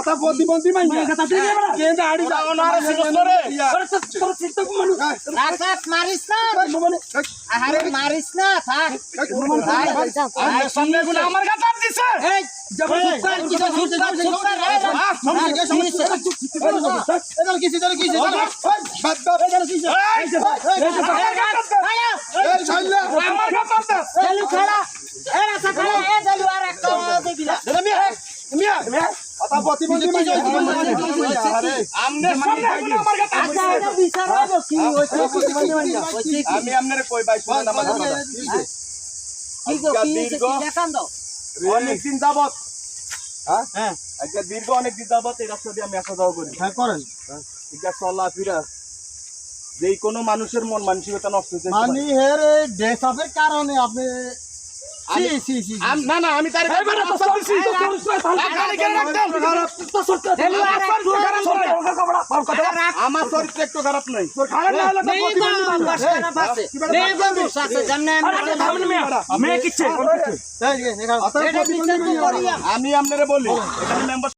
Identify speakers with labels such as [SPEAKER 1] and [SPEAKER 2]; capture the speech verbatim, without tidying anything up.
[SPEAKER 1] কথা প্রতিবন্ধী মাইন কথা তুই বড় কেন আড়ি যা ওনারে সিনস রে তোর সিস্টেম মানু
[SPEAKER 2] রাখ রাখ মারিস না আরে মারিস না থাক
[SPEAKER 1] ভাই সামনে গুলো আমার কথা দিছে
[SPEAKER 2] এই জবর সুপার কি সুপার সুপার এই সামনে কে সামনে এদার কিছে এদার কিছে বাদ বাদ এদার কিছে এই ছাইলা
[SPEAKER 1] আমার কথা দে
[SPEAKER 2] চালু খেলা এ রাসা খেলা এ চালু আর একটা দেবি না
[SPEAKER 1] মিয়া মিয়া মিয়া কথা প্রতিবন্ধী মাইন আরে আমনে সামনে গুলো আমার কথা
[SPEAKER 2] আচ্ছা এটা বিচার হবে কি হইছে প্রতিবন্ধী মাইন
[SPEAKER 1] আমি আপনারে কই ভাই শুনেন আমার কথা
[SPEAKER 2] কি গো কি হইছে কি দেখান দাও
[SPEAKER 1] অনেক দিন যাবত হ্যাঁ হ্যাঁ আজকে দীর্ঘ অনেক দিন যাবত এই রাস্তা দিয়ে আমি আসা যাওয়া করি হ্যাঁ করেন এটা চলা ফিরা যে কোনো মানুষের মন মানসিকতা নষ্ট হচ্ছে
[SPEAKER 3] মানে এর ড্রেস আপের কারণে আপনি সি সি সি
[SPEAKER 1] না না আমি তার আমার চরিত্র একটু খারাপ নাই আমি আপনারে বলি এখানে মেম্বার